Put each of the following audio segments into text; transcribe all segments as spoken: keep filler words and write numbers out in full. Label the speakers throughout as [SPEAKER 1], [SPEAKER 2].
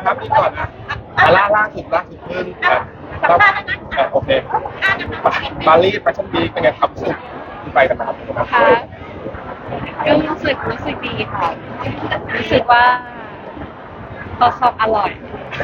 [SPEAKER 1] ครับนี่ก่อนนะอ่ะล่าล่าสุดล่าสุดเพิ่งอ่ะแล้วอ่ะโอเคปารีสแฟชั่นวีคเป็นไงครับสุดที่ไปกันนะครับ
[SPEAKER 2] ค่ะก็รู้สึกรู้สึกดีค่ะรู้สึกว่าซอสอร่อย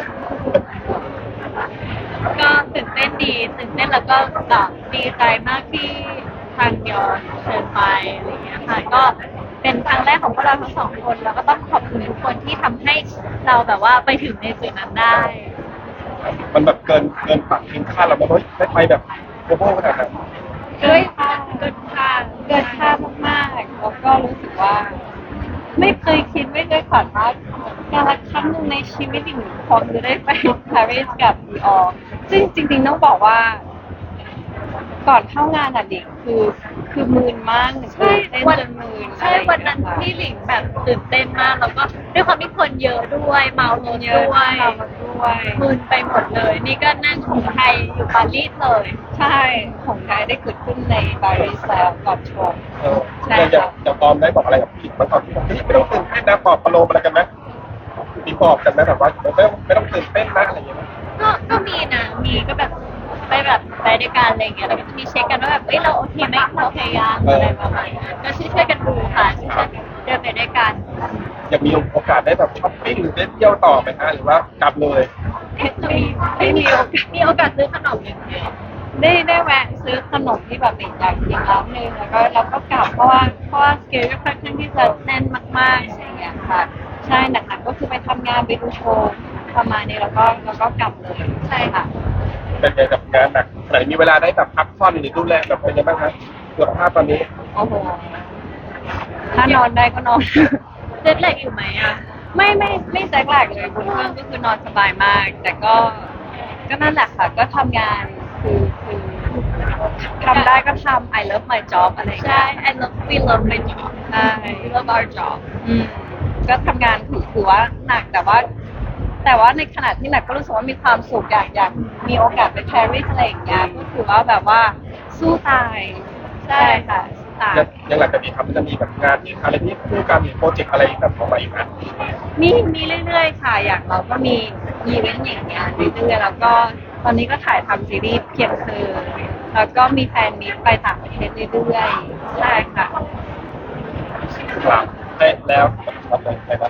[SPEAKER 2] ก็ตื่นเต้นดีตื่นเต้นแล้วก็แบบดีใจมากที่ทางยอนเชิญไปอะไรอย่างเงี้ยค่ะก็เป็นครั้งแรกของพวกเราทั้งสองคนแล้วก็ต้องขอบคุณทุกคนที่ทำให้เราแบบว่าไปถึงในจุดนั้นได้
[SPEAKER 1] มันแบบเกินเกินปักทิ้งคาดเราไหมเฮ้ยได้ไปแบบโกลบอลขนาดนั้น
[SPEAKER 2] เกินค่าเกินค่าเกินค่ามากๆแล้วก็รู้สึกว่า ไม่เคยคิดไม่เคยฝันว่าการละครั้งหนึ่งในชีวิตอีกหนึ่งคนจะได้ไปปารีสกับดีออซึ่งจริงๆต้องบอกว่า ก่อนเข้างานอ่ะเด็กคือคือมืนมากใช่เต้นจนมืนใช่วันนั้นที่หลิงแบบตื่นเต้นมากแล้วก็ด้วยความที่คนเยอะด้วยเมารถด้วยด้วยมืนไปหมดเลย นี่ก็นั่งของไทยอยู่ปารีสเลยใช่ของไทยได้เกิดขึ้นในปารีสแล้วก่อนชม
[SPEAKER 1] เอออย่างอย่างอย่างปอมได้บอกอะไรกับพี่มันตอนที่บอกเฮ้ยไม่ต้องตื่นเต้นนะปลอบประโลมอะไรกันไหมมีปลอบกันไหมแบบว่าไม่ต้องไม่ต้องตื่นเต้นนะอะไรอย่างเงี้ย
[SPEAKER 2] ก็ก็มีนะมีก็แบบไปแบบไปด้วยกันอะไรอย่างเงี้ยแล้วก็จะมีเช็คกันว่าแบบเอ้ยเราโอเคไหมเราพยายามอะไรประมาณนี้ก็ช่วยช่วยกันดูค่ะช่วยช่วยเดินไปด้วยกัน
[SPEAKER 1] อยากมีโอกาสได้แบบช้อปปิ้งหรือได้เที่ยวต่อไหมฮะหรือว่ากลับเลย
[SPEAKER 2] มีไม่มีโอกาสมีโอกาสซื้อขนมอย่างเดียวได้ได้แวะซื้อขนมที่แบบอยากกินร้านนึงแล้วก็เราก็กลับเพราะว่าเพราะว่าสเกลค่อนข้างที่จะแน่นมากๆอะไรอย่างเงี้ยค่ะใช่หนักๆก็คือไปทำงานไปดูโชว์ประมาณนี้แล้วก็แล้วก็กลับเลยใช่ค่ะ
[SPEAKER 1] เป็นไงกับงานหนักไหนมีเวลาได้แบบพักผ่อนหรือดูแลแบบเป็นยังไงบ้างครับสุขภาพตอนนี้
[SPEAKER 2] โอ้โห ถ้านอนได้ก็นอนเจ็ตแลกอยู่ไหมอ่ะ ไม่ไม่ไม่แจ็คแลกเลยบนเครื่องก็คือนอนสบายมาก แต่ก็ก็นั่นแหละค่ะ ก็ทำงานคือคือทำได้ก็ทำ I love my job อะไรอย่างเงี้ยใช่ I love we love my job ใช่ we love our job อืมก็ทำงานถือถือว่าหนักแต่ว่า แต่ว่าในขณะที่หนักก็รู้สึกว่ามีความสุขอยากอยากมีโอกาสไปปารีสอะไรอย่างเงี้ยก็ถือว่าแบบว่าสู้ตายใช่ค่ะสู้ตาย
[SPEAKER 1] ยังยังหลังจากนี้ครับมันจะมีแบบงานที่อะไรที่คู่กันมีโปรเจกต์อะไรแบบออกมาอีกนะ
[SPEAKER 2] มีมีเรื่อยๆค่ะอย่างเราก็มีอีเวนต์อย่างเงี้ยเรื่อยๆแล้วก็ตอนนี้ก็ถ่ายทำซีรีส์เพียงเธอแล้วก็มีแฟนมีตไปต่างประเทศเรื่อยๆใช่ค่ะ
[SPEAKER 1] ครับได้แล้วทำอะไรไปบ้าง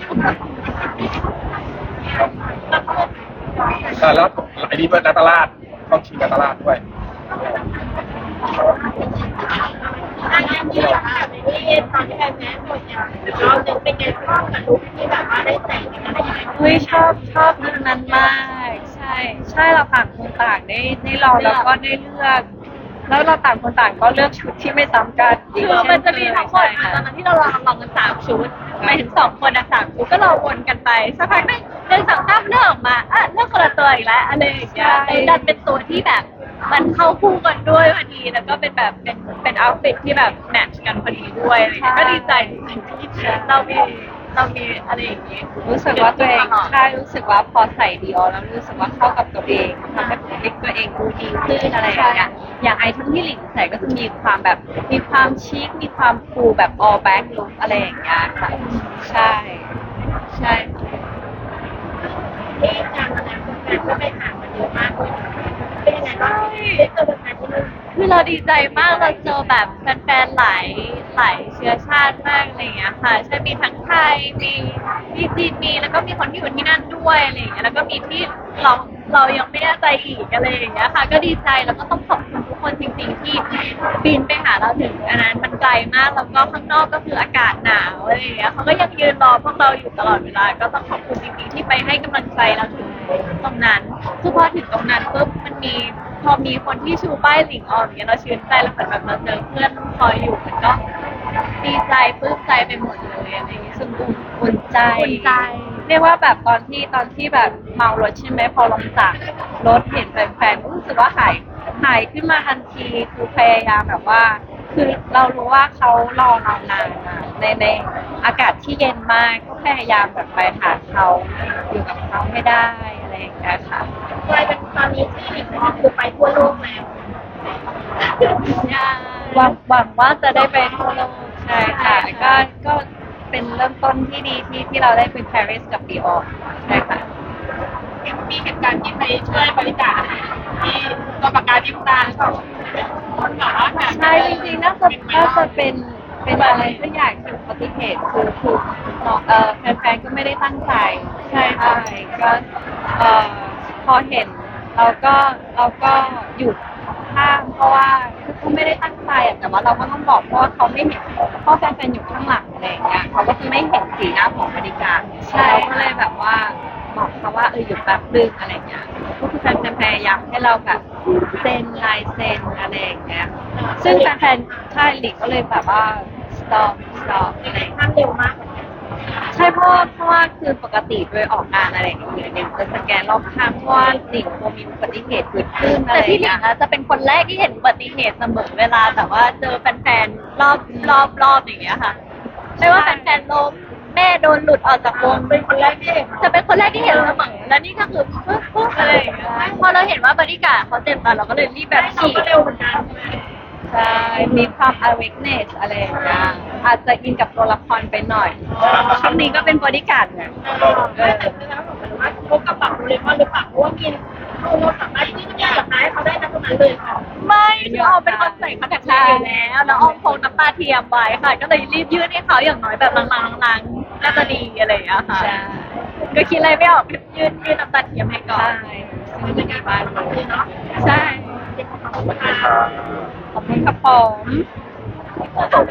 [SPEAKER 1] อ่าแล้วไอ้นี่เป็นนักตลาดต้องชิงนักตลาดด้วย
[SPEAKER 3] อันนี้ที่แบบที่ตอนที่แอนแมนหมดอย่างเราจะเป็นไงชอบกับลุคที่แบบว่าได้แต่งกันอะไรอย่างเงี้ย
[SPEAKER 2] เฮ้ยชอบชอบลุคนั้นมากใช่ใช่เราต่างคนต่างได้ได้ลองแล้วก็ได้เลือก แล้วเราต่างคนต่างก็เลือกชุดที่ไม่ซ้ำกันคือมันจะมีทั้งหมดตอนนั้นที่เราลองลองกันสามชุดหมายถึงสองคนนะสามชุดก็เราวนกันไปสักพักหนึงเดินสองข้ามเลือกออกมาอ่ะเลือกคนละตัวอีกแล้วอะไรอย่างเงี้ยเลยดันเป็นตัวที่แบบมันเข้าคู่กันด้วยพอดีแล้วก็เป็นแบบเป็นเป็นเอาท์ฟิตที่แบบแมทช์กันพอดีด้วยอะไรอย่างเงี้ยก็ดีใจจริงๆที่เรามีเรามีอะไรอย่างงี้รู้สึกว่าตัวเองใช่รู้สึกว่าพอใส่ดีออแล้วรู้สึกว่าเข้ากับตัวเองทำให้ตัวเองดูดีขึ้นอะไรอย่างเงี้ยอย่างไอเทมที่หลิงใส่ก็จะมีความแบบมีความชิคมีความฟูแบบ all back look อะไรอย่างเงี้ยค่ะใช่ใช่
[SPEAKER 3] ที่การแสดงผลงานก็ไปหามาเยอะมากเลยเป็นยังไงบ้างได้เจอผลงานที่นู่น
[SPEAKER 2] คือเราดีใจมากเราเจอแบบแฟนๆหลายหลายเชื้อชาติมากอะไรอย่างเงี้ยค่ะใช่มีทั้งไทยมีมีจีนมีแล้วก็มีคนที่อยู่ที่นั่นด้วยอะไรอย่างเงี้ยแล้วก็มีที่เราเรายังไม่แน่ใจอีกอะไรอย่างเงี้ยค่ะก็ดีใจแล้วก็ต้องขอบคุณทุกคนจริงๆที่บินไปหาเราถึงอันนั้นมันไกลมากแล้วก็ข้างนอกก็คืออากาศหนาวอะไรอย่างเงี้ยเขาก็ยังยืนรอพวกเราอยู่ตลอดเวลาก็ต้องขอบคุณจริงๆที่ไปให้กำลังใจเราถึงตรงนั้นคือพอถึงตรงนั้นปุ๊บมันมี พอมีคนที่ชูป้ายหลิงออมอย่างเงี้ยเราชื่นใจแล้วเหมือนแบบเราเจอเพื่อนคอยอยู่มันก็ดีใจปลื้มใจไปหมดเลยอะไรอย่างเงี้ยซึ่งอุ่นใจอุ่นใจเรียกว่าแบบตอนที่ตอนที่แบบเมารถใช่ไหมพอลงจากรถเห็นแฟนๆก็รู้สึกว่าหายหายขึ้นมาทันทีคือพยายามแบบว่า คือเรารู้ว่าเขารอเรานานอะในในอากาศที่เย็นมากก็พยายามแบบไปหาเขาอยู่กับเขาให้ได้อะไรอย่างเงี้ยค่ะ
[SPEAKER 3] กลายเป็นตอนนี้ที่หลิงออมคือไปทั่วโลกแล้ว
[SPEAKER 2] หวังหวังว่าจะได้ไปทั่วโลกใช่ค่ะก็ก็เป็นเริ่มต้นที่ดีที่ที่เราได้ไปปารีสกับดีออใช่ค่ะ
[SPEAKER 3] มีเหตุการณ์ที่ไปช่วยบริจาคที่ตัวประกันที่ตาหรือเปล่าคนแบบว่าแบบ
[SPEAKER 2] ใช่จริงๆน่าจะน่าจะเป็นเป็นอะไรสักอย่างที่อุบัติเหตุคือคือน้องเออแฟนๆก็ไม่ได้ตั้งใจใช่ใช่ก็เออพอเห็นเราก็เราก็หยุดห้ามเพราะว่าคือเขาไม่ได้ตั้งใจอะแต่ว่าเราก็ต้องบอกเพราะว่าเขาไม่เห็นเพราะแฟนๆอยู่ข้างหลังอะไรอย่างเงี้ยเขาก็จะไม่เห็นสีหน้าของบริการใช่เราก็เลยแบบว่าบอกเขาว่าเออหยุดแป๊บนึงอะไรเงี้ยก็คือแฟนๆพยายามให้เราแบบเซ็นลายเซ็นอะไรอย่างเงี้ย ซึ่งแฟนๆใช่หลีกก็เลยแบบว่า stop stop อะไรอย่างเงี้ย
[SPEAKER 3] ทำเร็วมากเหมือนกัน
[SPEAKER 2] ใช่เพราะว่าเพราะว่าคือปกติโดยออกงานอะไรอย่างเงี้ยเนี่ยจะสแกนรอบข้างเพราะว่าหลิงกลัวมีอุบัติเหตุเกิดขึ้นอะไร
[SPEAKER 4] แต่
[SPEAKER 2] อ
[SPEAKER 4] พี่
[SPEAKER 2] ย่าง
[SPEAKER 4] หลิ
[SPEAKER 2] เงี้
[SPEAKER 4] ง
[SPEAKER 2] ย
[SPEAKER 4] อะจะเป็นคนแรกที่เห็นอุบัติเหตุเสมอเวลาแบบว่าเจอแฟนๆรอบรอบรอบอย่างเงี้ยค่ะ ไม่ว่าแฟนๆล้มแม่โดนหลุดออกจากวง
[SPEAKER 3] เป็นคนแรกที่เห็น
[SPEAKER 4] จะเป็นคนแรกที่เห็นเสมอและนี่ก็คือปุ๊บปุ๊บอะไรอย่างเงี้ยพอเราเห็นว่าบริการดเขาเจ็บกันเราก็เลยรีบแบบ
[SPEAKER 3] เรา
[SPEAKER 4] ฉีด
[SPEAKER 3] ก็เร็วเหมือนกัน
[SPEAKER 2] ใช่มีความ awareness อะไรอย่างเงี้ยอาจจะอินกับตัวละครไปหน่อยช่วงนี้ก็เป็นบริการดไง
[SPEAKER 3] เออแต่แล้วผมว่าพกกระเป๋าโดเรมอนหรือเปล่าเพราะว่ามีเราสามารถที่จะอยากได้เขาได้นะตรงนั้นเลยค่ะ
[SPEAKER 4] ไม่คือออมเป็นคนใส่คอนแทคเลนส์อยู่แล้วแล้วออมพกน้ำตาเทียมไว้ค่ะ ก็เลยรีบยื่นให้เขาอย่างน้อยแบบลางๆลางๆน่าจะดีอะไรอย่างเงี้ยค่ะ
[SPEAKER 2] ใช่
[SPEAKER 4] ก็คิดอะไรไม่ออกยื่นยื่นน้ำตาเทียมให้ก่อน
[SPEAKER 2] ใช่ซึ่งเป็นบ้าน
[SPEAKER 3] เลยเนาะ
[SPEAKER 4] ใช่
[SPEAKER 2] ขอบคุณครับผม